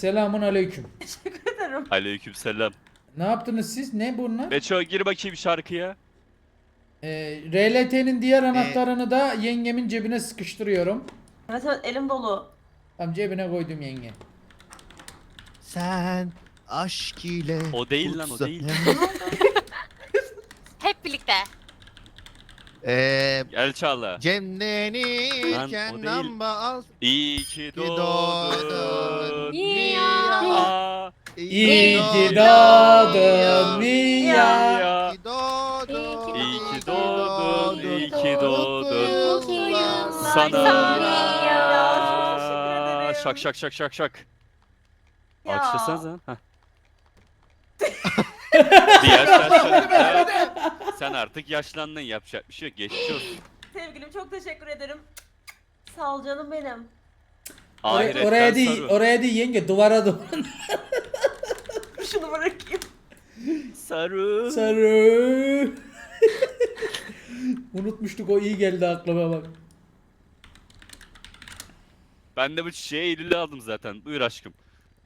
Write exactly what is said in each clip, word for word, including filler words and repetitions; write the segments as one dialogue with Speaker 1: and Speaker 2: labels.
Speaker 1: Selamun aleyküm.
Speaker 2: Teşekkür ederim.
Speaker 3: Aleykümselam.
Speaker 1: Ne yaptınız siz? Ne bunlar?
Speaker 3: Beço gir bakayım şarkıya.
Speaker 1: Ee, R L T'nin diğer anahtarını da yengemin cebine sıkıştırıyorum.
Speaker 2: Evet evet elim dolu.
Speaker 1: Tam cebine koydum yenge.
Speaker 4: Sen aşk ile
Speaker 3: O değil lan, o
Speaker 4: kutsa-
Speaker 3: değil.
Speaker 5: Hep birlikte.
Speaker 4: Eee
Speaker 3: Gel Çağla.
Speaker 4: Cemlenirken
Speaker 3: Lan, o değil.
Speaker 4: lamba al.
Speaker 3: İyi ki
Speaker 4: doğdun.
Speaker 3: doğdun.
Speaker 5: Mia.
Speaker 3: Mia.
Speaker 1: İyi ki
Speaker 4: doğdun
Speaker 1: doğdun
Speaker 4: Mia.
Speaker 1: Mia.
Speaker 4: İyi ki doğdun.
Speaker 3: İyi ki doğdun. İyi ki doğdun.
Speaker 4: Mutlu yıllar
Speaker 3: Sana.
Speaker 2: Ya, çok teşekkür ederim.
Speaker 3: Şak şak şak şak şak.
Speaker 2: Ya.
Speaker 3: Alkışlasanıza. Heh. Diğer yaşlar. Sen artık yaşlandın, yapacak bir şey yok. Geçmiş olsun.
Speaker 2: Sevgilim çok teşekkür ederim. Sağ ol canım benim.
Speaker 1: Oraya,
Speaker 3: Ahiretten
Speaker 1: oraya değil,
Speaker 3: sarı.
Speaker 1: oraya değil yenge, duvara doğru.
Speaker 2: Şunu bırakayım.
Speaker 3: Sarı.
Speaker 1: Sarı. Unutmuştuk, o iyi geldi aklıma bak.
Speaker 3: Ben de bu çiçeği Eylül'e aldım zaten. Buyur aşkım.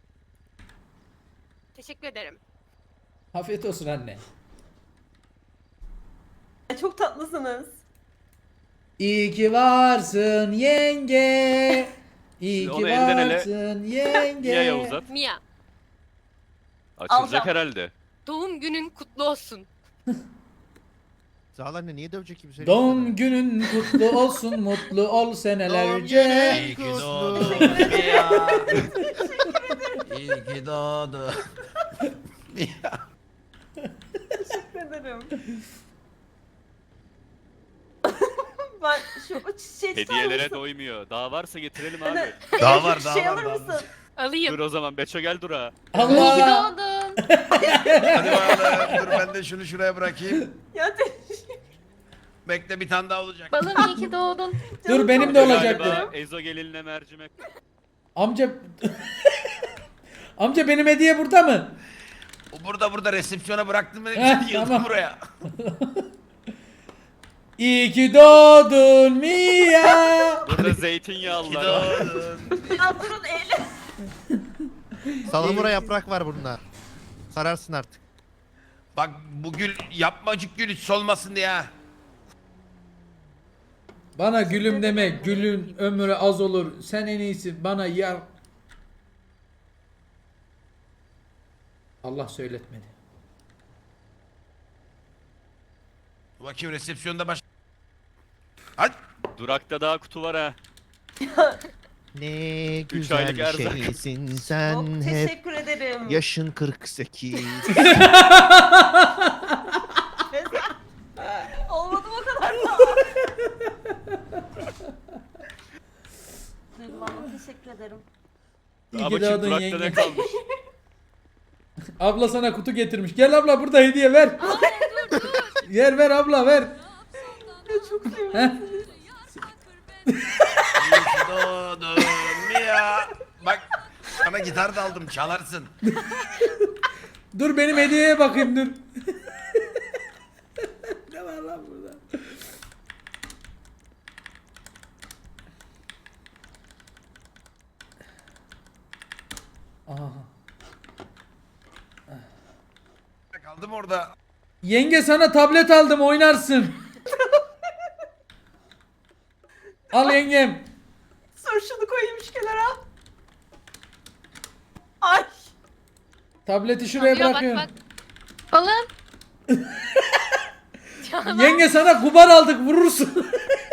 Speaker 5: Teşekkür ederim.
Speaker 1: Afiyet olsun anne.
Speaker 2: Çok tatlısınız.
Speaker 1: İyi ki varsın yenge. İyi
Speaker 3: Onu
Speaker 1: ki
Speaker 3: elden ele-
Speaker 1: varsın yenge.
Speaker 3: Niye ya uzat?
Speaker 5: Mia,
Speaker 3: Açılacak
Speaker 2: Alacağım.
Speaker 3: herhalde.
Speaker 5: doğum günün kutlu olsun.
Speaker 4: Sağ ol anne, niye dövecek kimse?
Speaker 1: Doğum günün kutlu olsun, mutlu ol senelerce.
Speaker 4: İyi ki
Speaker 6: doğdun
Speaker 4: ya.
Speaker 6: İyi ki doğdun.
Speaker 2: Teşekkür ederim. Ben şu o çiçeği tutar
Speaker 3: Hediyelere
Speaker 2: mısın?
Speaker 3: doymuyor. Daha varsa getirelim abi.
Speaker 2: Bana
Speaker 6: Daha
Speaker 2: en
Speaker 6: var,
Speaker 2: küçük
Speaker 6: daha
Speaker 2: şey
Speaker 6: var,
Speaker 2: alır
Speaker 6: daha var.
Speaker 2: mısın?
Speaker 5: Alayım.
Speaker 3: Dur o zaman Beço gel dura.
Speaker 1: Allah.
Speaker 5: doğdun.
Speaker 6: Hadi bakalım. Dur ben de şunu şuraya bırakayım.
Speaker 2: Ya teşekkür
Speaker 6: Bekle, bir tane daha olacak.
Speaker 5: Balım iyi ki doğdun.
Speaker 1: Dur, benim de
Speaker 3: Galiba
Speaker 1: olacaktı.
Speaker 3: Ezo gelinle mercimek.
Speaker 1: Amca. Amca benim hediye burada mı?
Speaker 6: O burada burada resepsiyona bıraktım beni.
Speaker 1: Heh,
Speaker 6: Yıldım
Speaker 1: tamam.
Speaker 6: buraya.
Speaker 1: İyi ki doğdun Mia.
Speaker 3: Burada
Speaker 6: İyi
Speaker 3: zeytinyağlılar
Speaker 6: ki
Speaker 3: var.
Speaker 6: doğdun.
Speaker 2: Ya durun eyle.
Speaker 4: Salamura yaprak var bunda. Sararsın artık.
Speaker 6: Bak bu gül yapmacık gül hiç solmasın diye ha.
Speaker 1: Bana gülüm deme. Gülün ömrü az olur. Sen en iyisi bana yar. Allah söyletmedi.
Speaker 6: Bakayım resepsiyonda baş... Hadi.
Speaker 3: Durakta daha kutu var ha.
Speaker 4: Ne
Speaker 3: aylık
Speaker 4: güzel
Speaker 3: erzak.
Speaker 4: şeysin
Speaker 2: Çok
Speaker 4: sen hep.
Speaker 2: teşekkür ederim.
Speaker 4: Yaşın kırk sekiz.
Speaker 2: Olmadı o kadar da. Duygulandım, teşekkür ederim.
Speaker 1: İyi
Speaker 3: Ama
Speaker 1: ki
Speaker 3: kim
Speaker 1: doğdun
Speaker 3: durakta
Speaker 1: yenge.
Speaker 3: ne kalmış?
Speaker 1: Abla sana kutu getirmiş. Gel abla, burada hediye ver. Ver ver abla ver.
Speaker 2: Ya çok sevindim.
Speaker 1: Heh.
Speaker 6: İyi ki doğdun Mia. Bak sana gitar da aldım, çalarsın.
Speaker 1: Dur benim hediyeye bakayım dur. Ne var lan burada? Aha.
Speaker 6: Kaldım orada.
Speaker 1: Yenge sana tablet aldım, oynarsın. Al yengem.
Speaker 2: Sor şunu koyayım şu kenara. Ay.
Speaker 1: Tableti şuraya
Speaker 5: Alıyor, bak
Speaker 1: bırakıyorum.
Speaker 5: bak. Balım. Canan.
Speaker 1: Yenge sana kubar aldık, vurursun.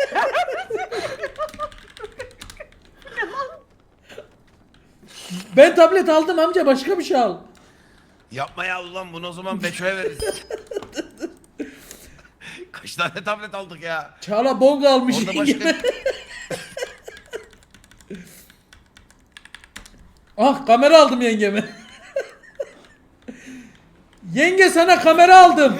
Speaker 1: Ben tablet aldım amca, başka bir şey al.
Speaker 6: Yapma ya ulan, bunu o zaman Beço'ya veririz. Kaç tane tablet aldık ya.
Speaker 1: Çağla bong almış
Speaker 6: Orada
Speaker 1: yengeme.
Speaker 6: başka...
Speaker 1: Ah, kamera aldım yengeme. Yenge sana kamera aldım.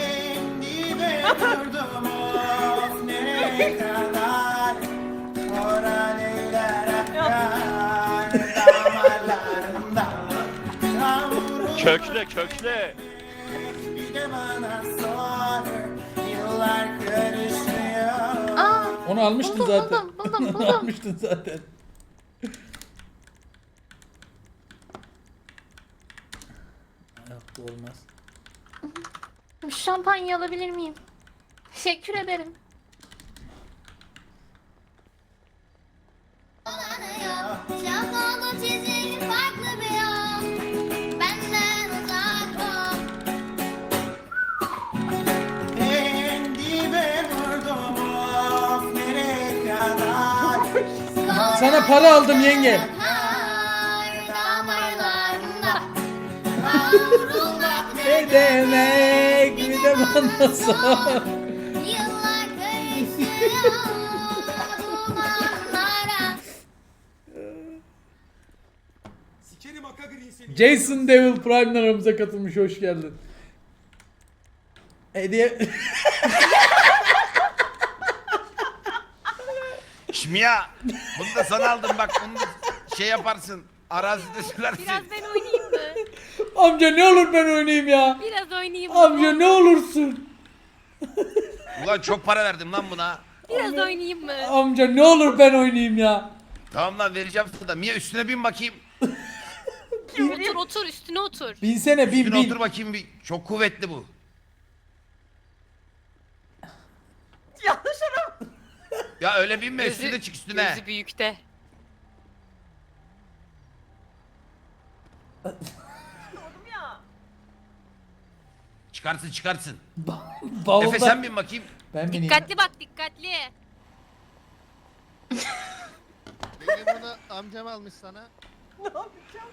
Speaker 3: Kökle kökle.
Speaker 5: Aa,
Speaker 1: Onu almıştın
Speaker 5: buldum,
Speaker 1: zaten.
Speaker 5: buldum, buldum,
Speaker 1: Onu
Speaker 5: buldum.
Speaker 1: almıştın zaten. Yok bu olmaz.
Speaker 5: Şampanya alabilir miyim? Teşekkür ederim.
Speaker 7: Şablonu çizim farklı bir yol. Benden uzak ol.
Speaker 8: En dibe vurdum of nereye kadar.
Speaker 1: Sana para aldım yenge.
Speaker 7: Har damarlarında kavrulmak
Speaker 1: Ne demek bir de bana sor.
Speaker 7: yıllar karışıyor dumanlara.
Speaker 8: Sikerim Akagri'yi seni.
Speaker 1: Jason Devil Prime'den aramıza katılmış, hoş geldin. Hediye...
Speaker 6: Şmiya. Bunu da sana aldım bak. Bunu da şey yaparsın. Arazide sürersin.
Speaker 5: Biraz ben oynayayım mı?
Speaker 1: Amca ne olur ben oynayayım ya.
Speaker 5: Biraz oynayayım mı?
Speaker 1: Amca ne olursun.
Speaker 6: Ulan çok para verdim lan buna.
Speaker 5: Biraz oynayayım mı?
Speaker 1: Amca ne olur ben oynayayım ya.
Speaker 6: Tamam lan vereceğim sana da. Mia üstüne bin bakayım.
Speaker 5: Otur otur üstüne otur.
Speaker 1: Binsene bin
Speaker 6: Üstüne
Speaker 1: bin.
Speaker 6: otur bakayım bir. Çok kuvvetli bu.
Speaker 2: Yanlış araba.
Speaker 6: Ya öyle binme üstüne çık üstüne.
Speaker 5: Gözü büyükte.
Speaker 2: Oğlum ya.
Speaker 6: Çıkarsın çıkarsın.
Speaker 1: Bavulda.
Speaker 6: Efe sen bin bakayım.
Speaker 1: Ben bineyim.
Speaker 5: Dikkatli bak dikkatli.
Speaker 4: Yenge bunu amcam almış sana.
Speaker 2: Ne yapacağım?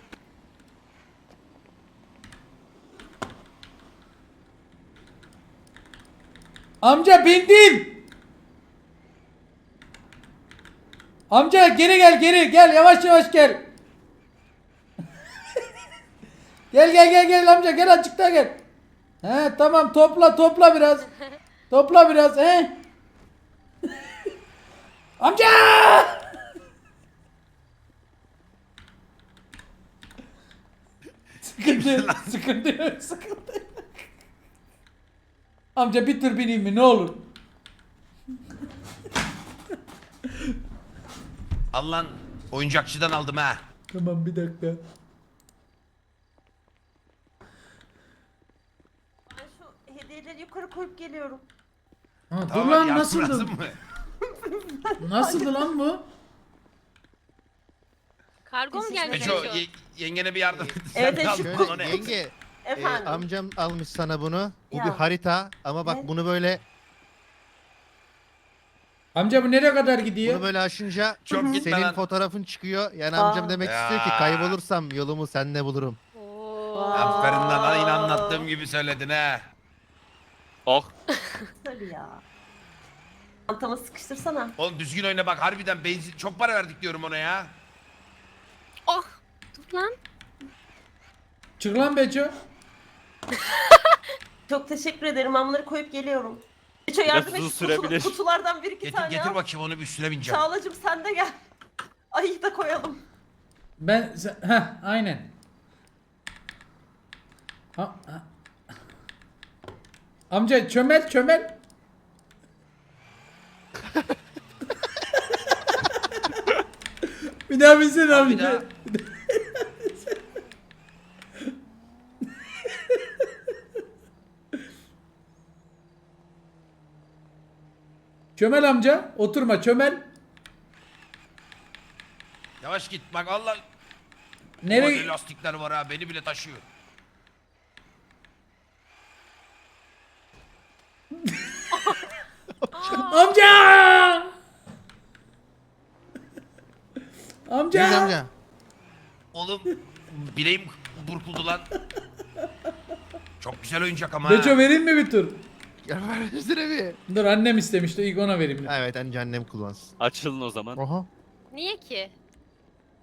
Speaker 1: Amca bindim. Amca geri gel geri gel yavaş yavaş gel. Gel gel gel gel amca gel açıkta gel. He tamam topla topla biraz. Topla biraz he. Amca! Sıkıntı yok, sıkıntı yok, sıkıntı yok. Amca bir tur bineyim mi ne olur?
Speaker 6: Al lan. Oyuncakçıdan aldım ha.
Speaker 1: Tamam bir dakika.
Speaker 2: Ben şu hediyeleri yukarı koyup geliyorum.
Speaker 1: Ha, dur
Speaker 6: Tamam,
Speaker 1: lan
Speaker 6: yardım
Speaker 1: nasıldı?
Speaker 6: lazım mı?
Speaker 1: Nasıldı lan bu?
Speaker 5: Kargo mu gelmiş?
Speaker 6: Beço
Speaker 5: Beço?
Speaker 6: ye- yengene bir yardım et.
Speaker 2: Evet,
Speaker 6: Sen de
Speaker 2: evet,
Speaker 6: al
Speaker 2: şu
Speaker 6: bunu,
Speaker 2: kut-
Speaker 6: o ne?
Speaker 4: Yenge e,
Speaker 2: Efendim.
Speaker 4: amcam almış sana bunu. Bu
Speaker 2: Ya.
Speaker 4: bir harita ama bak
Speaker 2: Ne?
Speaker 4: bunu böyle
Speaker 1: Amca bu nereye kadar gidiyor?
Speaker 4: bunu böyle aşınca
Speaker 6: Çok gitme
Speaker 4: senin
Speaker 6: lan.
Speaker 4: fotoğrafın çıkıyor. Yani
Speaker 2: Aa.
Speaker 4: amcam demek istiyor ki
Speaker 6: Ya.
Speaker 4: kaybolursam yolumu seninle bulurum.
Speaker 5: Oo.
Speaker 6: Aferin lan aynı anlattığım gibi söyledin ha.
Speaker 3: Oh.
Speaker 2: Tabii ya. Çantamı sıkıştırsana.
Speaker 6: Oğlum düzgün oyna bak harbiden benzin çok para verdik diyorum ona ya.
Speaker 5: Oh. Dur lan.
Speaker 1: Çık lan Beço.
Speaker 2: Çok teşekkür ederim. Ben bunları koyup geliyorum. Beço yardım
Speaker 3: uzun
Speaker 2: et. Kutu,
Speaker 3: sürebilir.
Speaker 2: kutulardan bir iki
Speaker 6: Getir
Speaker 2: tane
Speaker 6: getir
Speaker 2: al.
Speaker 6: bakayım onu bir üstüne bineceğim.
Speaker 2: Çağlacığım sen de gel. Ayı da koyalım.
Speaker 1: Ben heh aynen. Ha, ha. Amca çömel çömel. Bir daha binsene
Speaker 6: Al bir
Speaker 1: amca.
Speaker 6: daha.
Speaker 1: Çömel amca oturma çömel.
Speaker 6: Yavaş git bak Allah.
Speaker 1: Nereye?
Speaker 6: Nereye? Lastikler var ha beni bile taşıyor.
Speaker 1: Amca! Amca!
Speaker 4: Biz amca.
Speaker 6: Oğlum bileğim burkuldu lan. Çok güzel oyuncak ama
Speaker 1: Beço
Speaker 6: ha.
Speaker 1: vereyim mi bir tur?
Speaker 4: Ya ver üstüne bir.
Speaker 1: Dur annem istemişti ilk ona vereyim.
Speaker 4: Evet anne annem kullansın.
Speaker 3: Açılın o zaman.
Speaker 4: Oha.
Speaker 5: Niye ki?